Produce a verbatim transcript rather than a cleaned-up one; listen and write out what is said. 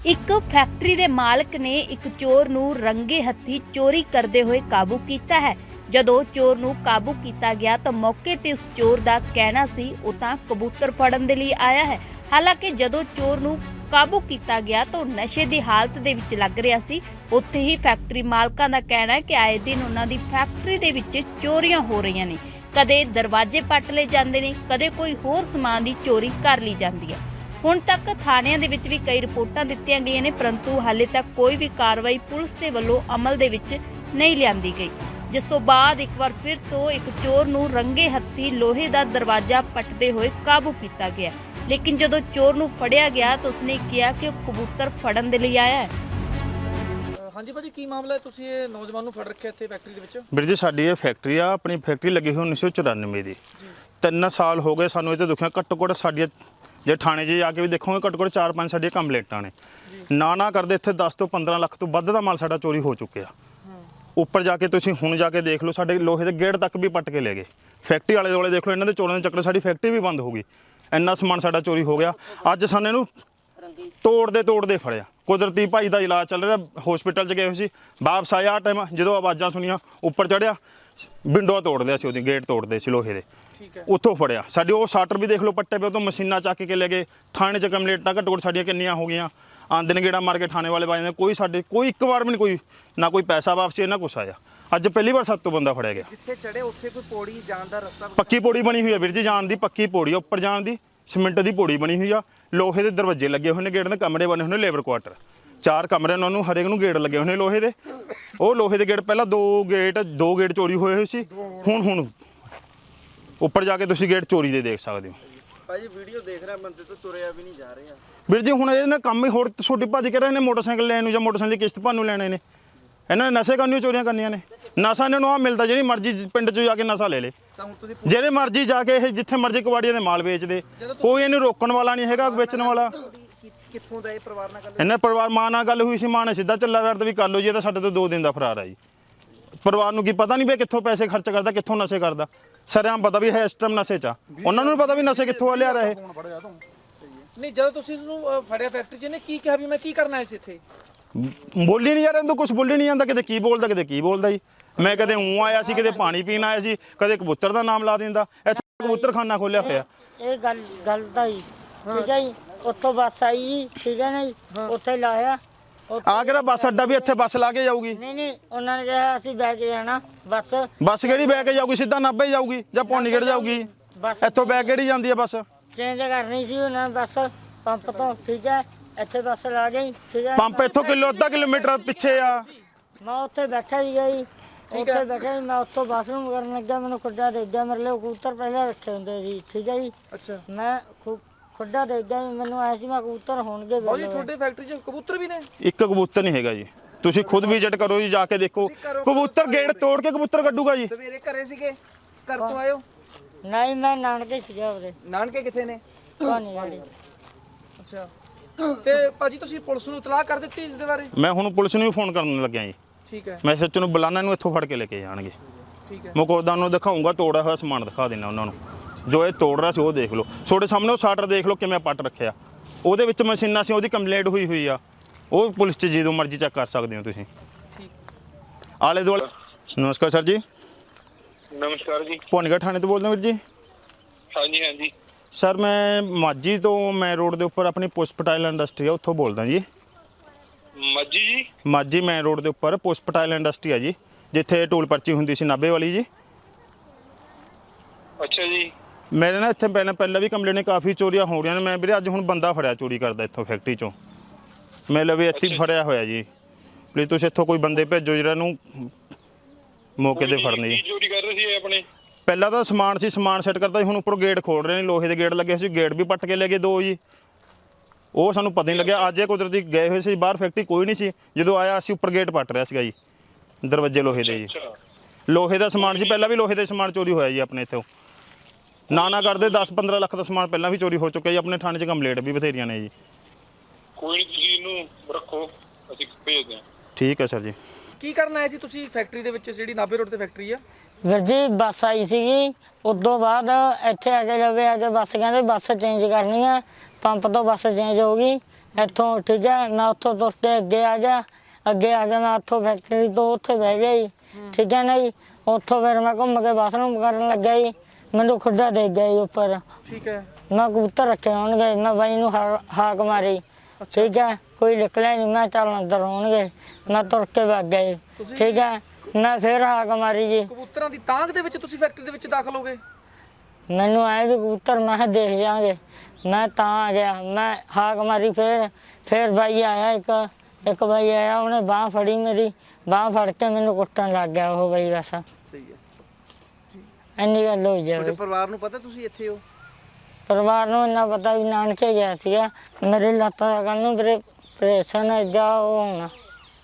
ਇੱਕ ਫੈਕਟਰੀ ਦੇ ਮਾਲਕ ਨੇ ਇੱਕ ਚੋਰ ਨੂੰ ਰੰਗੇ ਹੱਥੀ ਚੋਰੀ ਕਰਦੇ ਹੋਏ ਕਾਬੂ ਕੀਤਾ ਹੈ। ਜਦੋਂ ਚੋਰ ਨੂੰ ਕਾਬੂ ਕੀਤਾ ਗਿਆ ਤਾਂ ਮੌਕੇ ਤੇ ਉਸ ਚੋਰ ਦਾ ਕਹਿਣਾ ਸੀ ਉਹ ਤਾਂ ਕਬੂਤਰ ਫੜਨ ਦੇ ਲਈ ਆਇਆ ਹੈ। ਹਾਲਾਂਕਿ ਜਦੋਂ ਚੋਰ ਨੂੰ ਕਾਬੂ ਕੀਤਾ ਗਿਆ ਤਾਂ ਉਹ ਨਸ਼ੇ ਦੀ ਹਾਲਤ ਦੇ ਵਿੱਚ ਲੱਗ ਰਿਹਾ ਸੀ। ਉੱਥੇ ਹੀ ਫੈਕਟਰੀ ਮਾਲਕਾਂ ਦਾ ਕਹਿਣਾ ਹੈ ਕਿ ਆਏ ਦਿਨ ਉਹਨਾਂ ਦੀ ਫੈਕਟਰੀ ਦੇ ਵਿੱਚ ਚੋਰੀਆਂ ਹੋ ਰਹੀਆਂ ਨੇ। ਕਦੇ ਦਰਵਾਜ਼ੇ ਪੱਟ ਲਏ ਜਾਂਦੇ ਨੇ, ਕਦੇ ਕੋਈ ਹੋਰ ਸਮਾਨ ਦੀ ਚੋਰੀ ਕਰ ਲਈ ਜਾਂਦੀ ਹੈ। ਹੁਣ ਤੱਕ ਥਾਣਿਆਂ ਦੇ ਵਿੱਚ ਵੀ ਕਈ ਰਿਪੋਰਟਾਂ ਦਿੱਤੀਆਂ ਗਈਆਂ ਨੇ, ਪਰੰਤੂ ਹਾਲੇ ਤੱਕ ਕੋਈ ਵੀ ਕਾਰਵਾਈ ਪੁਲਿਸ ਦੇ ਵੱਲੋਂ ਅਮਲ ਦੇ ਵਿੱਚ ਨਹੀਂ ਲਿਆਂਦੀ ਗਈ। ਜਿਸ ਤੋਂ ਬਾਅਦ ਇੱਕ ਵਾਰ ਫਿਰ ਤੋਂ ਇੱਕ ਚੋਰ ਨੂੰ ਰੰਗੇ ਹੱਥੀ ਲੋਹੇ ਦਾ ਦਰਵਾਜ਼ਾ ਪੱਟਦੇ ਹੋਏ ਕਾਬੂ ਕੀਤਾ ਗਿਆ। ਲੇਕਿਨ ਜਦੋਂ ਚੋਰ ਨੂੰ ਫੜਿਆ ਗਿਆ ਤਾਂ ਉਸਨੇ ਕਿਹਾ ਕਿ ਉਹ ਕਬੂਤਰ ਫੜਨ ਦੇ ਲਈ ਆਇਆ ਹੈ। ਹਾਂਜੀ ਭਾਜੀ, ਕੀ ਮਾਮਲਾ ਹੈ? ਤੁਸੀਂ ਇਹ ਨੌਜਵਾਨ ਨੂੰ ਫੜ ਰੱਖਿਆ ਇੱਥੇ ਫੈਕਟਰੀ ਦੇ ਵਿੱਚ? ਵੀਰ ਜੀ, ਸਾਡੀ ਇਹ ਫੈਕਟਰੀ ਆ, ਆਪਣੀ ਫੈਕਟਰੀ ਲੱਗੀ ਹੋਈ ਉੱਨੀ ਸੌ ਚੁਰਾਨਵੇਂ ਦੀ। ਤਿੰਨ ਸਾਲ ਹੋ ਗਏ ਸਾਨੂੰ ਇੱਥੇ ਦੁਖਿਆ। ਘੱਟੋ ਘੱਟ ਸਾਡੀਆਂ ਜੇ ਥਾਣੇ 'ਚ ਜਾ ਕੇ ਵੀ ਦੇਖੋਗੇ ਘੱਟੋ ਘੱਟ ਚਾਰ ਪੰਜ ਸਾਡੀਆਂ ਕੰਪਲੇਂਟਾਂ ਨੇ। ਨਾ ਨਾ ਕਰਦੇ ਇੱਥੇ ਦਸ ਤੋਂ ਪੰਦਰਾਂ ਲੱਖ ਤੋਂ ਵੱਧ ਦਾ ਮਾਲ ਸਾਡਾ ਚੋਰੀ ਹੋ ਚੁੱਕਿਆ। ਉੱਪਰ ਜਾ ਕੇ ਤੁਸੀਂ ਹੁਣ ਜਾ ਕੇ ਦੇਖ ਲਓ, ਸਾਡੇ ਲੋਹੇ ਦੇ ਗੇਟ ਤੱਕ ਵੀ ਪੱਟ ਕੇ ਲੈ ਗਏ। ਫੈਕਟਰੀ ਵਾਲੇ ਦੁਆਲੇ ਦੇਖ ਲਓ, ਇਹਨਾਂ ਦੇ ਚੋਰਾਂ ਦੇ ਚੱਕਰ ਸਾਡੀ ਫੈਕਟਰੀ ਵੀ ਬੰਦ ਹੋ ਗਈ। ਇੰਨਾ ਸਮਾਨ ਸਾਡਾ ਚੋਰੀ ਹੋ ਗਿਆ। ਅੱਜ ਸਾਨੂੰ ਇਹਨੂੰ ਤੋੜਦੇ ਤੋੜਦੇ ਫੜਿਆ। ਕੁਦਰਤੀ ਭਾਈ ਦਾ ਇਲਾਜ ਚੱਲ ਰਿਹਾ, ਹਸਪੀਟਲ 'ਚ ਗਏ ਹੋਏ ਸੀ। ਵਾਪਸ ਆਇਆ ਟਾਈਮ ਜਦੋਂ ਆਵਾਜ਼ਾਂ ਸੁਣੀਆਂ, ਉੱਪਰ ਚੜ੍ਹਿਆ, ਵਿੰਡੋ ਤੋੜਦੇ ਸੀ, ਉਹਦੀ ਗੇਟ ਤੋੜਦੇ ਸੀ ਲੋਹੇ ਦੇ। ਉੱਥੋਂ ਫੜਿਆ। ਸਾਡੇ ਉਹ ਸ਼ਟਰ ਵੀ ਦੇਖ ਲਓ ਪੱਟੇ ਪਏ, ਉਹ ਤੋਂ ਮਸ਼ੀਨਾਂ ਚੱਕ ਕੇ ਲੈ ਗਏ। ਥਾਣੇ 'ਚ ਕੰਪਲੇਂਟਾਂ ਘੱਟੋ ਘੱਟ ਸਾਡੀਆਂ ਕਿੰਨੀਆਂ ਹੋ ਗਈਆਂ। ਆਂਦੇ ਨੇ ਗੇੜਾ ਮਾਰ ਕੇ ਥਾਣੇ ਵਾਲੇ ਬਾਜਦੇ, ਕੋਈ ਸਾਡੇ ਕੋਈ ਇੱਕ ਵਾਰ ਵੀ ਨਹੀਂ, ਕੋਈ ਨਾ ਕੋਈ ਪੈਸਾ ਵਾਪਸੀ ਨਾ ਕੁਛ ਆਇਆ। ਅੱਜ ਪਹਿਲੀ ਵਾਰ ਸੱਤ ਤੋਂ ਬੰਦਾ ਫੜਿਆ ਗਿਆ। ਜਿੱਥੇ ਚੜੇ ਉੱਥੇ ਕੋਈ ਪੌੜੀ ਜਾਣ ਦਾ ਰਸਤਾ? ਪੱਕੀ ਪੌੜੀ ਬਣੀ ਹੋਈ ਹੈ ਵੀਰ ਜੀ, ਜਾਣ ਦੀ ਪੱਕੀ ਪੌੜੀ, ਉੱਪਰ ਜਾਣ ਦੀ ਸੀਮਿੰਟ ਦੀ ਪੌੜੀ ਬਣੀ ਹੋਈ ਆ। ਲੋਹੇ ਦੇ ਦਰਵਾਜ਼ੇ ਲੱਗੇ ਹੋਏ ਨੇ, ਗੇਟ ਦੇ ਕਮਰੇ ਬਣੇ ਹੋਏ ਨੇ, ਲੇਬਰ ਕੁਆਟਰ ਚਾਰ ਕਮਰੇ ਉਹਨਾਂ ਨੂੰ, ਹਰੇਕ ਨੂੰ ਗੇਟ ਲੱਗੇ ਹੋਏ ਨੇ ਲੋਹੇ ਦੇ। ਉਹ ਲੋਹੇ ਦੇ ਗੇਟ ਪਹਿਲਾਂ ਦੋ ਗੇਟ ਦੋ ਗੇਟ ਚੋਰੀ ਹੋਏ ਹੋਏ ਸੀ। ਹੁਣ ਹੁਣ ਉੱਪਰ ਜਾ ਕੇ ਤੁਸੀਂ ਗੇਟ ਚੋਰੀ ਦੇ ਦੇਖ ਸਕਦੇ ਹੋ। ਭਾਜੀ ਵੀਡੀਓ ਦੇਖ ਰਿਹਾ, ਬੰਦੇ ਤੋਂ ਤੁਰਿਆ ਵੀ ਨਹੀਂ ਜਾ ਰਿਹਾ ਵੀਰ ਜੀ। ਹੁਣ ਇਹਦੇ ਨਾਲ ਕੰਮ ਹੀ ਹੋਰ ਛੋਟੀ ਭੱਜ ਕੇ ਰਹੇ ਨੇ, ਮੋਟਰਸਾਈਕਲ ਲੈਣ ਨੂੰ ਜਾਂ ਮੋਟਰਸਾਈਕਲ ਦੀ ਕਿਸ਼ਤ ਭਰਨ ਨੂੰ ਲੈਣੇ ਨੇ। ਇਹਨਾਂ ਨੇ ਨਸ਼ੇ ਕਰਨੀ, ਚੋਰੀਆਂ ਕਰਨੀਆਂ ਨੇ। ਨਸ਼ਾ ਇਹਨਾਂ ਨੂੰ ਆ ਮਿਲਦਾ, ਜਿਹੜੀ ਮਰਜ਼ੀ ਪਿੰਡ 'ਚ ਜਾ ਕੇ ਨਸ਼ਾ ਲੈ ਲੇ, ਜਿਹੜੇ ਮਰਜ਼ੀ ਜਾ ਕੇ ਇਹ ਜਿੱਥੇ ਮਰਜ਼ੀ ਕਬਾੜੀਆਂ ਦੇ ਮਾਲ ਵੇਚਦੇ। ਕੋਈ ਇਹਨੂੰ ਰੋਕਣ ਵਾਲਾ ਨਹੀਂ ਹੈਗਾ, ਵੇਚਣ ਵਾਲਾ। ਕਿੱਥੋਂ ਦਾ ਇਹ ਪਰਿਵਾਰ ਨਾਲ ਗੱਲ? ਇਹਨਾਂ ਪਰਿਵਾਰ ਮਾਂ ਨਾਲ ਗੱਲ ਹੋਈ ਸੀ, ਮਾਂ ਨੇ ਸਿੱਧਾ ਚੱਲਾ ਕਰਦਾ ਵੀ ਕਰ ਲਓ ਜੀ, ਇਹ ਤਾਂ ਸਾਡੇ ਤੋਂ ਦੋ ਦਿਨ ਦਾ ਫਰਾਰ ਆ ਜੀ। ਪਰਿਵਾਰ ਨੂੰ ਕੀ ਪਤਾ ਨਹੀਂ ਵੀ ਕਿੱਥੋਂ ਪੈਸੇ ਖਰਚ ਕਰਦਾ, ਕਿੱਥੋਂ ਨਸ਼ੇ ਕਰਦਾ। ਸਰਿਆਮ ਪਤਾ ਵੀ ਹੈ ਇਸ ਟਾਈਮ ਨਸ਼ੇ 'ਚ ਆ। ਉਹਨਾਂ ਨੂੰ ਪਤਾ ਵੀ ਨਸ਼ੇ ਕਿੱਥੋਂ ਲਿਆ ਰਹੇ। ਨਹੀਂ, ਜਦੋਂ ਤੁਸੀਂ ਇਸਨੂੰ ਫੜਿਆ ਫੈਕਟਰੀ 'ਚ, ਇਹਨੇ ਕੀ ਕਿਹਾ ਵੀ ਮੈਂ ਕੀ ਕਰਨਾ ਇਸ ਇੱਥੇ? ਬੋਲੀ ਨਹੀਂ ਯਾਰ, ਇਹਨੂੰ ਕੁਝ ਬੋਲੀ ਨਹੀਂ ਜਾਂਦਾ। ਕਿਤੇ ਕੀ ਬੋਲਦਾ, ਕਿਤੇ ਕੀ ਬੋਲਦਾ ਜੀ। ਮੈਂ ਕਦੇ ਊਂ ਆਇਆ ਸੀ, ਕਿਤੇ ਪਾਣੀ ਪੀਣ ਆਇਆ ਸੀ, ਕਦੇ ਕਬੂਤਰ ਦਾ ਨਾਮ ਲਾ ਦਿੰਦਾ। ਇੱਥੇ ਕਬੂਤਰਖਾਨਾ ਖੋਲਿਆ ਹੋਇਆ। ਇਹ ਗੱਲ ਗੱਲ ਦਾ ਜੀ, ਠੀਕ ਹੈ ਜੀ। ਉੱਥੋਂ ਬੱਸ ਆਈ ਜੀ, ਠੀਕ ਹੈ ਨਾ ਜੀ, ਉੱਥੇ ਲਾਇਆ। ਆ ਕਿਹੜਾ ਬੱਸ ਅੱਡਾ ਵੀ ਇੱਥੇ ਬੱਸ ਲਾ ਕੇ ਜਾਊਗੀ? ਨਹੀਂ ਨਹੀਂ, ਉਹਨਾਂ ਨੇ ਕਿਹਾ ਅਸੀਂ ਬੈ ਕੇ ਜਾਣਾ ਬੱਸ। ਬੱਸ ਕਿਹੜੀ ਬੈ ਕੇ ਜਾਊਗੀ? ਸਿੱਧਾ ਨਾਭੇ ਜਾਊਗੀ ਜਾਂ ਪੌਂਡੀਗੜ੍ਹ ਜਾਊਗੀ? ਇੱਥੋਂ ਬੈ ਕਿਹੜੀ ਜਾਂਦੀ ਹੈ ਬੱਸ? ਚੇਂਜ ਕਰਨੀ ਸੀ ਉਹਨਾਂ ਨੇ ਬੱਸ ਪੰਪ ਤੋਂ, ਠੀਕ ਹੈ। ਇੱਥੇ ਬੱਸ ਲਾ ਗਈ, ਠੀਕ ਹੈ। ਪੰਪ ਇੱਥੋਂ ਕਿਲੋ ਅੱਧਾ ਕਿਲੋਮੀਟਰ ਪਿੱਛੇ ਆ। ਮੈਂ ਉੱਥੇ ਬੈਠਾ ਸੀਗਾ ਜੀ, ਉੱਥੇ ਬੈਠਾ ਸੀ ਮੈਂ। ਉੱਥੋਂ ਬਾਥਰੂਮ ਕਰਨ ਲੱਗਾ, ਮੈਨੂੰ ਖੁੱਡਾ ਦੇ ਗਿਆ। ਮੇਰੇ ਲਈ ਕਬੂਤਰ ਪਹਿਲਾਂ ਰੱਖੇ ਹੁੰਦੇ ਸੀ, ਠੀਕ ਹੈ ਜੀ। ਅੱਛਾ। ਮੈਂ ਖੁੱਡਾ ਦੇ ਗਿਆ, ਮੈਨੂੰ ਆਇਆ ਸੀ ਮੈਂ ਕਬੂਤਰ ਹੋਣਗੇ। ਭਾਜੀ ਤੁਹਾਡੇ ਫੈਕਟਰੀ 'ਚ ਕਬੂਤਰ ਵੀ ਨੇ? ਇੱਕ ਕਬੂਤਰ ਨਹੀਂ ਹੈਗਾ ਜੀ, ਤੁਸੀਂ ਖੁਦ ਵਿਜ਼ਿਟ ਕਰੋ ਜੀ, ਜਾ ਕੇ ਦੇਖੋ। ਕਬੂਤਰ ਗੇਟ ਤੋੜ ਕੇ ਕਬੂਤਰ ਕੱਢੂਗਾ ਜੀ। ਸਵੇਰੇ ਘਰੇ ਸੀਗੇ? ਘਰ ਤੋਂ ਆਇਓ? ਨਹੀਂ, ਮੈਂ ਨਾਨਕੇ ਸੀਗਾ ਉਹਦੇ। ਨਾਨਕੇ ਕਿੱਥੇ ਨੇ? ਕਹਾਣੀ ਵਾਲੀ। ਅੱਛਾ। ਤੇ ਭਾਜੀ ਤੁਸੀਂ ਪੁਲਿਸ ਨੂੰ ਇਤਲਾਹ ਕਰ ਦਿੱਤੀ ਇਸ ਦੇ ਬਾਰੇ? ਮੈਂ ਹੁਣ ਪੁਲਿਸ ਨੂੰ ਵੀ ਫੋਨ ਕਰਨ ਲੱਗਿਆ ਜੀ। ਠੀਕ ਹੈ। ਮੈਂ ਸੱਚ ਨੂੰ ਬੁਲਾਣਾ, ਨੂੰ ਇੱਥੋਂ ਫੜ ਕੇ ਲੈ ਕੇ ਜਾਣਗੇ। ਠੀਕ ਹੈ। ਮੁਕੋਦਾ ਨੂੰ ਦਿਖਾਊਂਗਾ, ਤੋੜਿਆ ਹੋਇਆ ਸਮਾਨ ਦਿਖਾ ਦੇਣਾ ਉਹਨਾਂ ਨੂੰ। ਜੋ ਇਹ ਤੋੜ ਰਿਹਾ ਸੀ ਉਹ ਦੇਖ ਲਓ, ਤੁਹਾਡੇ ਸਾਹਮਣੇ ਉਹ ਸ਼ਟਰ ਦੇਖ ਲਓ ਕਿਵੇਂ ਪੱਟ ਰੱਖਿਆ। ਉਹਦੇ ਵਿੱਚ ਮਸ਼ੀਨਾਂ ਸੀ, ਉਹਦੀ ਕੰਪਲੇਂਟ ਹੋਈ ਹੋਈ ਆ। ਉਹ ਪੁਲਿਸ 'ਚ ਜਦੋਂ ਮਰਜ਼ੀ ਚੈੱਕ ਕਰ ਸਕਦੇ ਹੋ ਤੁਸੀਂ। ਆਲੇ ਦੁਆਲੇ। ਨਮਸਕਾਰ ਸਰ ਜੀ। ਨਮਸਕਾਰ ਜੀ। ਭਵਾਨੀਗੜ੍ਹ ਥਾਣੇ ਤੋਂ ਬੋਲਦੇ ਹੋ ਵੀਰ ਜੀ? ਹਾਂਜੀ ਹਾਂਜੀ ਸਰ, ਮੈਂ ਮਾਝੀ ਤੋਂ ਮੈਂ ਰੋਡ ਦੇ ਉੱਪਰ ਆਪਣੀ ਪੁਸ਼ਪ ਟਾਇਲ ਇੰਡਸਟਰੀ ਆ, ਉੱਥੋਂ ਬੋਲਦਾ ਜੀ। ਮਾਝੀ ਜੀ? ਮਾਝੀ ਮੈਂ ਰੋਡ ਦੇ ਉੱਪਰ ਪੁਸ਼ਪ ਟਾਇਲ ਇੰਡਸਟਰੀ ਆ ਜੀ, ਜਿੱਥੇ ਟੂਲ ਪਰਚੀ ਹੁੰਦੀ ਸੀ ਨਾਭੇ ਵਾਲੀ ਜੀ। ਅੱਛਾ ਜੀ। ਮੇਰੇ ਨਾਲ ਇੱਥੇ ਪਹਿਲਾਂ ਪਹਿਲਾਂ ਵੀ ਕੰਪਲੇਂਟ ਨੇ, ਕਾਫੀ ਚੋਰੀਆਂ ਹੋ ਰਹੀਆਂ ਨੇ। ਮੈਂ ਵੀਰੇ ਅੱਜ ਹੁਣ ਬੰਦਾ ਫੜਿਆ ਚੋਰੀ ਕਰਦਾ ਇੱਥੋਂ ਫੈਕਟਰੀ 'ਚੋਂ। ਮੈਂ ਲਵੇ ਇੱਥੇ ਫੜਿਆ ਹੋਇਆ ਜੀ। ਪਲੀਜ਼ ਤੁਸੀਂ ਇੱਥੋਂ ਕੋਈ ਬੰਦੇ ਭੇਜੋ ਜਿਹੜਾ ਨੂੰ ਮੌਕੇ ਤੇ ਫੜਨੇ ਜੀ। ਚੋਰੀ ਕਰ ਰਹੇ ਸੀ ਆਪਣੇ? ਪਹਿਲਾਂ ਤਾਂ ਸਮਾਨ ਸੀ, ਸਮਾਨ ਸੈੱਟ ਕਰਦਾ ਸੀ। ਹੁਣ ਉੱਪਰੋਂ ਗੇਟ ਖੋਲ ਰਹੇ ਨੇ, ਲੋਹੇ ਦੇ ਗੇਟ ਲੱਗੇ ਸੀ, ਗੇਟ ਵੀ ਪੱਟ ਕੇ ਲੈ ਗਏ ਦੋ ਜੀ। ਉਹ ਸਾਨੂੰ ਪਤਾ ਨਹੀਂ ਲੱਗਿਆ। ਅੱਜ ਇਹ ਕੁਦਰਤੀ ਗਏ ਹੋਏ ਸੀ ਬਾਹਰ, ਫੈਕਟਰੀ ਕੋਈ ਨਹੀਂ ਸੀ। ਜਦੋਂ ਆਇਆ ਅਸੀਂ ਉੱਪਰ ਗੇਟ ਪੱਟ ਰਿਹਾ ਸੀਗਾ ਜੀ, ਦਰਵਾਜ਼ੇ ਲੋਹੇ ਦੇ ਜੀ। ਲੋਹੇ ਦਾ ਸਮਾਨ ਸੀ, ਪਹਿਲਾਂ ਵੀ ਲੋਹੇ ਦੇ ਸਮਾਨ ਚੋਰੀ ਹੋਇਆ ਜੀ ਆਪਣੇ ਇੱਥੋਂ। ਨਾ ਨਾ ਕਰਦੇ ਦਸ ਪੰਦਰਾਂ ਲੱਖ ਦਾ ਸਮਾਨ ਪਹਿਲਾਂ ਵੀ ਚੋਰੀ ਹੋ ਚੁੱਕਿਆ ਜੀ। ਆਪਣੇ ਥਾਣੇ 'ਚ ਕੰਪਲੇਂਟ ਵੀ ਬਥੇਰੀਆਂ ਨੇ ਜੀ। ਕੋਈ ਨਹੀਂ, ਤੁਸੀਂ ਇਹਨੂੰ ਰੱਖੋ, ਅਸੀਂ ਭੇਜਦੇ ਹਾਂ। ਠੀਕ ਹੈ ਸਰ ਜੀ। ਕੀ ਕਰਨ ਆਏ ਸੀ ਤੁਸੀਂ ਫੈਕਟਰੀ ਦੇ ਵਿੱਚ, ਜਿਹੜੀ ਨਾਭੇ ਰੋਡ ਤੇ ਫੈਕਟਰੀ ਆ? ਵੀਰ ਜੀ ਬੱਸ ਆਈ ਸੀਗੀ, ਉਦੋਂ ਬਾਅਦ ਇੱਥੇ ਆ ਕੇ ਲਵੇ ਆ ਕੇ ਬੱਸ ਕਹਿੰਦੇ ਬੱਸ ਚੇਂਜ ਕਰਨੀ ਹੈ। ਪੰਪ ਤੋਂ ਬੱਸ ਚੇਂਜ ਹੋ ਗਈ, ਇੱਥੋਂ ਠੀਕ ਹੈ ਮੈਂ ਉੱਥੋਂ ਤੁਰ ਕੇ ਅੱਗੇ ਆ ਗਿਆ ਅੱਗੇ ਆ ਗਿਆ ਮੈਂ ਉੱਥੋਂ ਫੈਕਟਰੀ ਤੋਂ ਉੱਥੇ ਬਹਿ ਗਿਆ ਜੀ ਠੀਕ ਹੈ ਨਾ ਜੀ ਉੱਥੋਂ ਫਿਰ ਮੈਂ ਘੁੰਮ ਕੇ ਬਾਥਰੂਮ ਕਰਨ ਲੱਗਾ ਜੀ ਮੈਨੂੰ ਖੁੱਡਾ ਦੇ ਗਿਆ ਜੀ ਉੱਪਰ ਠੀਕ ਹੈ ਮੈਂ ਕਬੂਤਰ ਰੱਖੇ ਹੋਣਗੇ ਮੈਂ ਬਾਈ ਨੂੰ ਹਾ- ਹਾਕ ਮਾਰੀ ਠੀਕ ਹੈ ਕੋਈ ਨਿਕਲਿਆ ਨਹੀਂ ਮੈਂ ਚੱਲ ਅੰਦਰ ਹੋਣਗੇ ਮੈਂ ਤੁਰ ਕੇ ਵਗ ਗਿਆ ਜੀ ਤੁਸੀਂ- ਠੀਕ ਹੈ ਮੈਂ ਫਿਰ ਹਾਕ ਮਾਰੀ ਜੀ ਕਬੂਤਰਾਂ ਦੀ ਤਾਂਗ ਦੇ ਵਿੱਚ ਤੁਸੀਂ ਫੈਕਟਰੀ ਦੇ ਵਿੱਚ ਦਾਖਲ ਹੋ ਗਏ? ਮੈਨੂੰ ਆਏ ਵੀ ਕਬੂਤਰ ਮੈਂ ਕਿਹਾ ਦੇਖ ਜਾਾਂਗੇ ਮੈਂ ਤਾਂ ਆ ਗਿਆ ਮੈਂ ਹਾਕ ਮਾਰੀ ਫਿਰ ਫਿਰ ਬਾਈ ਆਇਆ ਇੱਕ ਇੱਕ ਬਾਈ ਆਇਆ ਉਹਨੇ ਬਾਂਹ ਫੜੀ ਮੇਰੀ ਬਾਂਹ ਫੜ ਕੇ ਮੈਨੂੰ ਕੁੱਟਣ ਲੱਗ ਗਿਆ ਉਹ ਬਾਈ ਬਸ ਸਹੀ ਹੈ। ਇੰਨੀ ਗੱਲ ਹੋਈ ਜਾਵੇ ਤੁਹਾਡੇ ਪਰਿਵਾਰ ਨੂੰ ਪਤਾ ਤੁਸੀਂ ਇੱਥੇ ਹੋ? ਪਰਿਵਾਰ ਨੂੰ ਇੰਨਾ ਪਤਾ ਵੀ ਨਾਨਕੇ ਗਿਆ ਸੀਗਾ ਮੇਰੇ ਲੱਤਾਂ ਦਾ ਕੰਨ ਨੂੰ ਮੇਰੇ ਪ੍ਰੇਸ਼ਨ ਜਾ ਉਹ ਹੋਣਾ